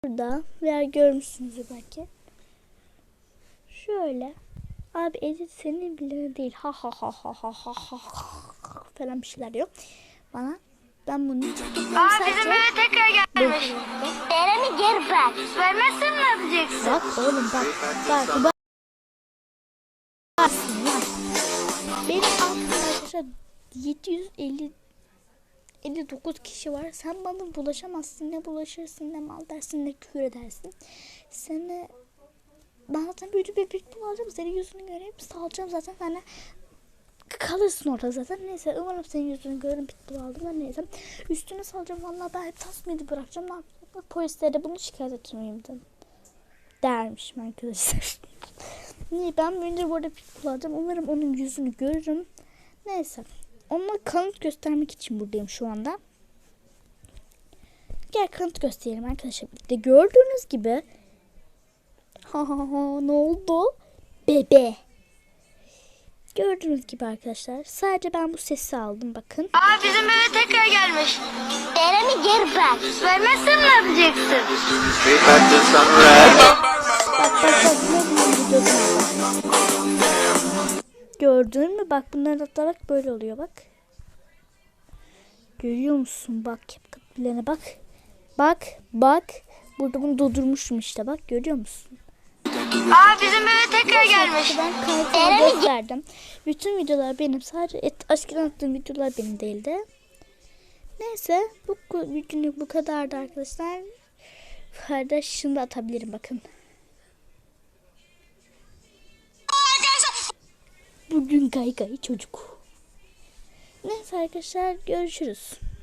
Burada veya görmüşsünüzdür belki. Şöyle. Abi edit senin bile değil. Ha ha ha ha ha ha ha falan bir şeyler diyor bana. Ben bunu Aa bizim eve tekrar gelmiş. Eren'i geri ver. Vermezsen ne yapacaksın? Bak oğlum bak. Benim aklımda arkadaşlar 759 kişi var. Sen bana bulaşamazsın. Ne bulaşırsın, ne mal dersin, ne küfür edersin. Seni ben zaten büyüdü bir alacağım. Senin yüzünü göreyim. Salacağım zaten. Hani kalırsın orada zaten. Neyse umarım senin yüzünü görürüm. Pitbull aldım. Ben neyse. Üstüne salacağım. Vallahi ben hep tasmayı bırakacağım. Ne yapacağım? Polislere de bunu şikayet etmeyeyim dermişim arkadaşlar. Niye ben önce burada pitbull alacağım. Umarım onun yüzünü görürüm. Neyse. Ona kanıt göstermek için buradayım şu anda. Gel kanıt gösterelim arkadaşlar. De gördüğünüz gibi. Ha ne oldu? Bebe. Gördüğünüz gibi arkadaşlar. Sadece ben bu sesi aldım bakın. Aa bizim eve tekrar gelmiş. Eren'i geri ver. Vermezsen ne yapacaksın? Gördün mü? Bak bunların hatta bak böyle oluyor bak. Görüyor musun? Bak kapılarına bak. Bak. Burada bunu durdurmuşum işte bak. Görüyor musun? Aa bizim eve tekrar gelmiş. Ben kaydını gösterdim. Bütün videolar benim. Sadece aşkına attığım videolar benim değildi. Neyse. Bugünlük bu kadardı arkadaşlar. Kardeş şimdi atabilirim bakın. Bugün gay çocuk. Neyse arkadaşlar görüşürüz.